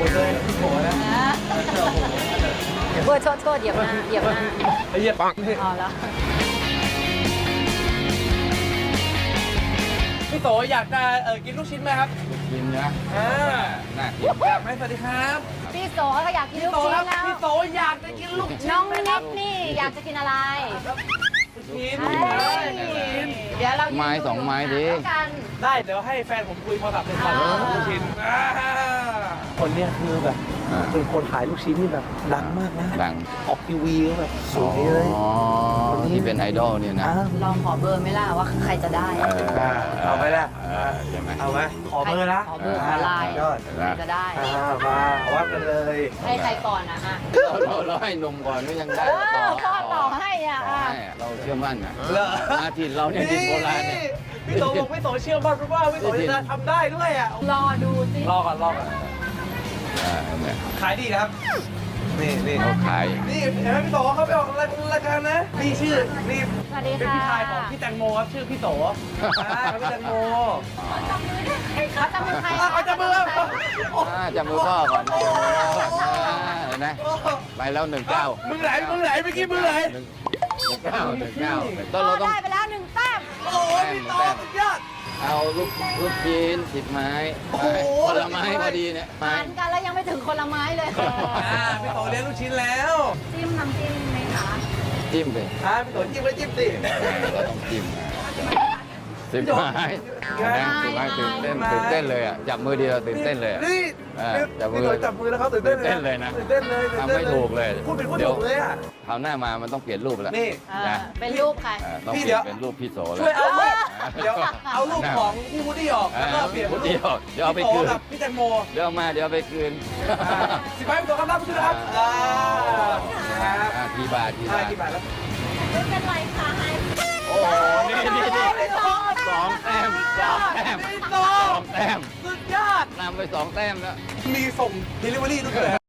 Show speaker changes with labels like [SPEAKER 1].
[SPEAKER 1] เลยพี่โผล่นะ
[SPEAKER 2] เบอร์โทษเหยียบหน้าเหยียบหน้า
[SPEAKER 1] เหยียบปัง
[SPEAKER 2] อ๋อแล้ว
[SPEAKER 1] พี่โตอยากจะกินลูกชิ้นไหมครับ
[SPEAKER 3] กินนะน่ากิน
[SPEAKER 1] อยากไหมสวัสดีครับ
[SPEAKER 2] พี่โสเขาอยากกินลู
[SPEAKER 1] พี่
[SPEAKER 2] ก
[SPEAKER 1] โต
[SPEAKER 2] ชิ้
[SPEAKER 1] ครับ
[SPEAKER 2] นแล้ว
[SPEAKER 1] พี่โตอยากจะกินลูกชิ้น
[SPEAKER 2] น้อง
[SPEAKER 1] ไหม
[SPEAKER 2] นิ
[SPEAKER 1] ครับ
[SPEAKER 2] ดนี่อยากจะกินอะไร
[SPEAKER 1] ลูกชิ้น
[SPEAKER 2] เดี๋ยวเรา
[SPEAKER 3] ไม้2 ไม้ดิ
[SPEAKER 2] กัน
[SPEAKER 1] ได้เดี๋ยวให้แฟนผมคุยโทรศัพท์เป็นก่อนลูกชิ้นคนเนี้ยคือแบบเป็นคนขายลูกชิ้นนี่แบบดังมากนะ
[SPEAKER 3] ดัง
[SPEAKER 1] ออกทีวีก็แบบสวยเลย
[SPEAKER 3] อ๋อที่เป็นไอดอลเนี่ยนะ
[SPEAKER 2] ลองขอเบอร์ไหมล่ะว่าใครจะได้
[SPEAKER 1] เอาไปละ
[SPEAKER 3] ใช่ไหม
[SPEAKER 1] เอาไหมขอเบอร์นะ
[SPEAKER 2] ขอเบอร์ขอไลน์
[SPEAKER 1] ยอด
[SPEAKER 2] ใครจะได้
[SPEAKER 1] มาวัดกันเลย
[SPEAKER 2] ให้ใครก่อนนะฮะ
[SPEAKER 3] เราให้นมก่อนก็ยังได้
[SPEAKER 2] พ่อต่อให้อ่ะ
[SPEAKER 3] เราเชื่อมั่นนะ
[SPEAKER 1] เหรอ
[SPEAKER 3] มาถิ่นเราเนี่ยถิ่นโบราณเนี่ย
[SPEAKER 1] พี่โตบอกพี่โตเชื่อมั่นเพราะว่าพี่โตจะทำได้ด้วยอ่ะ
[SPEAKER 2] รอดูสิ
[SPEAKER 1] รอก่อน
[SPEAKER 3] เนี่ย
[SPEAKER 1] ขายดีนะครับนี่
[SPEAKER 3] เขาขาย
[SPEAKER 1] นี่เห็นไหมพี่โตเขาไปออกรายการนะนี่ชื่อนี่
[SPEAKER 2] สวัสดี
[SPEAKER 1] เป็น
[SPEAKER 2] ค่ะ
[SPEAKER 1] พี่ชายของพี่แตงโมครับชื่อพี่โตครับพี่แตงโม
[SPEAKER 2] เขาจะมือใคร
[SPEAKER 1] เขาจะมือ
[SPEAKER 3] จับมือพ่อก่อนเห็นไหมไปแล้ว19
[SPEAKER 1] มือไหนเมื่อกี้มือไหน
[SPEAKER 3] 19ต้น
[SPEAKER 2] พ่อ
[SPEAKER 3] เราต้อง
[SPEAKER 2] ได้ไปแล้ว1 แต้ม
[SPEAKER 1] โอ้พี่โตสุดยอด
[SPEAKER 3] เอาลูกชิ้น10 ไม้
[SPEAKER 1] โอ้โห
[SPEAKER 3] คนละไม้พอดีเนี่ยไม้
[SPEAKER 2] ทานกันแล้วยังไม่ถึงคนละไม้เลย
[SPEAKER 1] พี่โตเลี้ยงลูกชิ้นแล้ว
[SPEAKER 2] จิ้มน้ำจิ้มไหมคะ
[SPEAKER 3] จิ้มไป
[SPEAKER 1] พี่โตจิ้มไว้จิ้มสิ
[SPEAKER 3] เราต้องจิ้ม10 ไม้10 ไม้ตื่นเต้นเลยอ่ะจับมือเดียวตื่นเต้นเลย
[SPEAKER 1] นี่พี่โตจับมือแล้วเขาตื่นเต้นเลย
[SPEAKER 3] ทำไม่ถูกเลย
[SPEAKER 1] พูดเป็นพูดถูกเลยอ่ะ
[SPEAKER 3] คราวหน้ามามันต้องเปลี่ยนรูปแล้ว
[SPEAKER 1] นี่
[SPEAKER 2] เป็นรูปใคร
[SPEAKER 3] ต้องเปลี่ยนเป็นรูปพี่โสแล้ว
[SPEAKER 1] ช่วยเอารูปเดี๋ยวเอารูปของพี่วูดดี้ออกแล้วก็เปลี่ยน
[SPEAKER 3] พูดเดียวเดี๋ยวเอาไปคืน
[SPEAKER 1] กับพี่แตงโม
[SPEAKER 3] เดี๋ยวเอามาเดี๋ยวเอาไปคืน
[SPEAKER 1] สิบใบพี่โตครับรับชื่อนะครับครับ
[SPEAKER 3] กี่บาท
[SPEAKER 1] กี่บาทแล้ว
[SPEAKER 2] ไม่เป็นไรค่ะให้
[SPEAKER 3] โอ้โหนี่2 แต้ม
[SPEAKER 1] พี่โต
[SPEAKER 3] 2 แต้ม
[SPEAKER 1] สุดยอด
[SPEAKER 3] นำไป2 แต้มแล้ว
[SPEAKER 1] มีส่ง delivery ด้วย